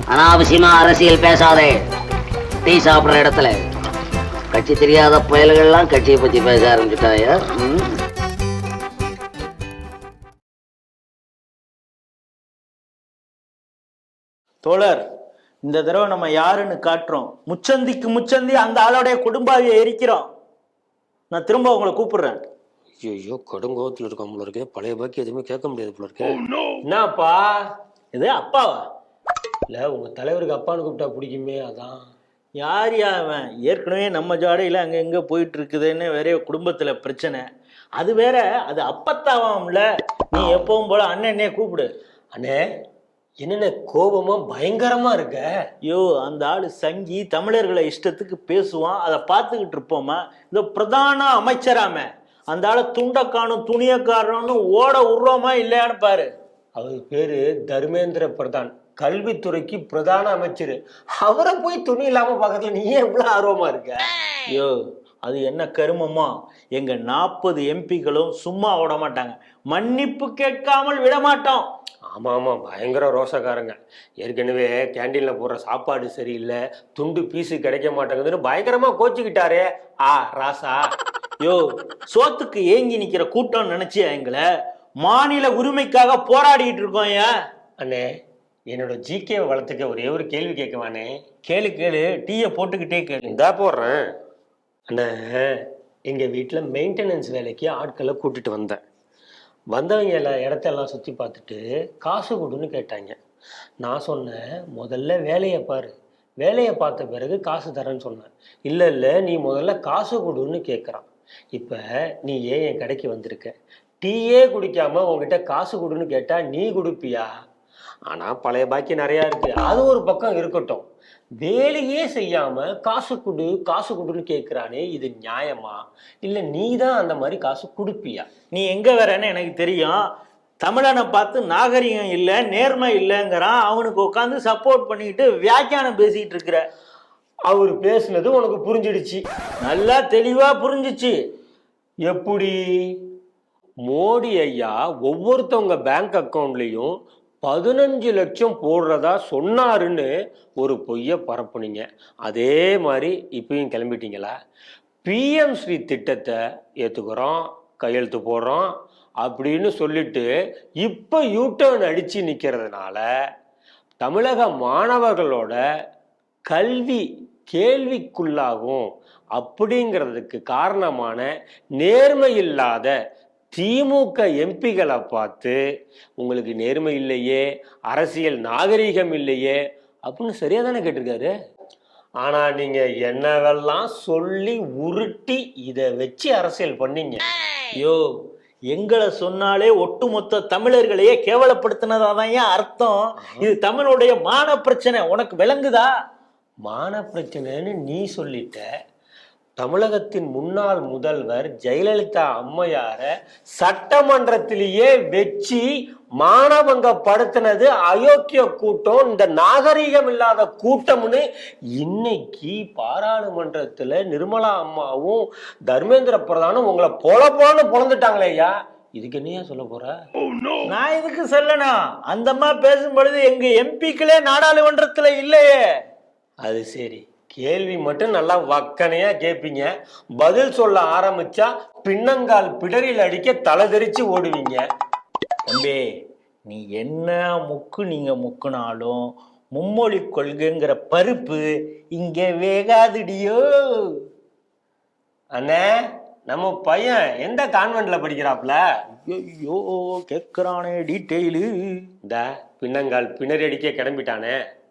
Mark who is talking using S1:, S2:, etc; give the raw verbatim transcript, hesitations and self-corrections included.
S1: அனாவசியமா அரசியல் பேசாதே. டீ சாப்பிடுற இடத்துல கட்சி தெரியாத புயல்கள்லாம் கட்சியை பத்தி பேச ஆரம்பிச்சுட்டாயா?
S2: தோழர், இந்த தடவை நம்ம யாருன்னு காட்டுறோம். முச்சந்திக்கு முச்சந்தி அந்த ஆளோடைய குடும்பாவியை எரிக்கிறோம். நான் திரும்ப உங்களை கூப்பிடுறேன்.
S3: ஐயோ, கடுங்கோவத்தில் இருக்கோம் போல இருக்கு. பழைய பாக்கி எதுவுமே கேட்க முடியாது போல இருக்கு.
S2: என்னப்பா இது? அப்பாவா?
S3: இல்ல, உங்க தலைவருக்கு அப்பான்னு கூப்பிட்டா பிடிக்குமே, அதான்.
S2: யார் யாவன்? ஏற்கனவே நம்ம ஜாடையில் அங்கே எங்கே போயிட்டு இருக்குதுன்னு வேற குடும்பத்தில் பிரச்சனை. அது வேற, அது அப்பத்தாவாம்ல. நீ எப்பவும் போல அண்ணனே கூப்பிடு.
S3: அண்ணே, என்னென்ன கோபமா பயங்கரமா இருக்க?
S2: ஐயோ, அந்த ஆளு சங்கி தமிழர்களை இஷ்டத்துக்கு பேசுவான். அதை பார்த்துக்கிட்டு இருப்போமா? இந்த பிரதான அமைச்சராம அந்த ஆளை துண்டக்கானும் துணியக்காரன்னு ஓட விடுறோமா இல்லையான்னு பாரு.
S3: அவர் பேரு தர்மேந்திர பிரதான், கல்வித்துறைக்கு பிரதான அமைச்சர். அவரை போய் துணி இல்லாம பாக்கிறதுல நீ எவ்வளவு ஆர்வமா இருக்க?
S2: ஐயோ, அது என்ன கருமமா? எங்க நாற்பது எம்பிக்களும் சும்மா விட மாட்டாங்க. மன்னிப்பு கேட்காமல் விட மாட்டோம்.
S3: ஆமா ஆமா, பயங்கர ரோசக்காரங்க. ஏற்கனவே கேண்டீன்ல போடுற சாப்பாடு சரியில்லை, துண்டு பீஸு கிடைக்க மாட்டேங்குதுன்னு பயங்கரமா கோச்சுக்கிட்டாரே ஆ ராசா.
S2: யோ, சோத்துக்கு ஏங்கி நிக்கிற கூட்டம் நினைச்சியா எங்களை? மாநில உரிமைக்காக போராடிட்டு இருக்கோம். ஏன்
S3: அண்ணே, என்னோட ஜிகே வளர்த்துக்க ஒரே ஒரு கேள்வி கேட்கவானே?
S2: கேளு கேளு, டீயை போட்டுக்கிட்டே கேளு.
S3: இந்தா போடுறேன். அண்ணே, எங்க வீட்டுல மெயின்டெனன்ஸ் வேலைக்கு ஆட்களை கூட்டிட்டு வந்தேன். வந்தவங்க எல்லாம் இடத்தெல்லாம் சுற்றி பார்த்துட்டு காசு கொடுன்னு கேட்டாங்க. நான் சொன்னேன், முதல்ல வேலையை பாரு, வேலையை பார்த்த பிறகு காசு தரேன்னு சொன்னேன். இல்லை இல்லை, நீ முதல்ல காசு கொடுன்னு கேட்குறான். இப்போ நீ ஏன் என் கடைக்கு வந்திருக்க? டீயே குடிக்காம உங்ககிட்ட காசு கொடுன்னு கேட்டால் நீ கொடுப்பியா? ஆனால் பழைய பாக்கி நிறையா இருக்கு, அது ஒரு பக்கம் இருக்கட்டும். வேலையே செய்யாம காசு கொடு காசு கொடுன்னு கேட்கிறானே, இது நியாயமா? இல்லை நீ தான் அந்த மாதிரி காசு கொடுப்பியா?
S2: நீ எங்க வரேன்னு எனக்கு தெரியும். தமிழனை பார்த்து நாகரிகம் இல்லை நேர்மை இல்லைங்கிறான். அவனுக்கு உட்காந்து சப்போர்ட் பண்ணிக்கிட்டு வியாக்கியானம் பேசிக்கிட்டு இருக்கிற.
S3: அவர் பேசுனது உனக்கு புரிஞ்சிடுச்சு?
S2: நல்லா தெளிவா புரிஞ்சிச்சு.
S3: எப்படி? மோடி ஐயா ஒவ்வொருத்தவங்க பேங்க் அக்கௌண்ட்லையும் பதினஞ்சு லட்சம் போடுறதா சொன்னாருன்னு ஒரு பொய்யை பரப்புனீங்க. அதே மாதிரி இப்பயும் கிளம்பிட்டீங்களா? பிஎம் ஸ்ரீ திட்டத்தை ஏற்றுக்கிறோம், கையெழுத்து போடுறோம் அப்படின்னு சொல்லிட்டு இப்போ யூட்டர்ன் அடித்து நிற்கிறதுனால தமிழக மாணவர்களோட கல்வி கேள்விக்குள்ளாகும். அப்படிங்கிறதுக்கு காரணமான நேர்மை இல்லாத திமுக எம்பிகளை பார்த்து உங்களுக்கு நேர்மை இல்லையே, அரசியல் நாகரீகம் இல்லையே அப்படின்னு சரியா தானே கேட்டிருக்காரு. ஆனா நீங்க என்னவெல்லாம் சொல்லி உருட்டி இதை வச்சு அரசியல் பண்ணீங்க.
S2: யோ, எங்களை சொன்னாலே ஒட்டுமொத்த தமிழர்களையே கேவலப்படுத்தினதாதான் ஏன் அர்த்தம். இது தமிழுடைய மான பிரச்சனை. உனக்கு விளங்குதா?
S3: மான பிரச்சனைன்னு நீ சொல்லிட்ட. தமிழகத்தின் முன்னாள் முதல்வர் ஜெயலலிதா அம்மையார சட்டமன்றத்திலேயே வச்சு மானபங்கப்படுத்தினது அயோக்கிய கூட்டம், இந்த நாகரீகம் இல்லாத கூட்டம்னு இன்னைக்கு பாராளுமன்றத்துல நிர்மலா அம்மாவும் தர்மேந்திர பிரதானும் உங்களை பொல பொலன்னு பொழந்துட்டாங்களே ஐயா. இதுக்கு என்னையா சொல்ல போற?
S2: நான் இதுக்கு சொல்லணும். அந்த அம்மா பேசும் பொழுது எங்க எம்பிக்களே நாடாளுமன்றத்துல இல்லையே.
S3: அது சரி, கேள்வி மட்டும் நல்லா வக்கனையா கேட்பீங்க, பதில் சொல்ல ஆரம்பிச்சா பின்னங்கால் பிடரில் அடிக்க தலை தெரிச்சு ஓடுவீங்க.
S2: தம்பி, நீ என்ன முக்கு நீங்க முக்குனாலும் மும்மொழி கொள்கைங்கிற பருப்பு இங்க வேகாதுடியோ.
S3: அண்ணே, நம்ம பையன் எந்த கான்வென்ட்ல படிக்கிறாப்ல?
S2: ஐயோ, கேட்கிறானே டீட்டெயிலு.
S3: இந்த பின்னங்கால் பிணறி அடிக்க கிளம்பிட்டானே,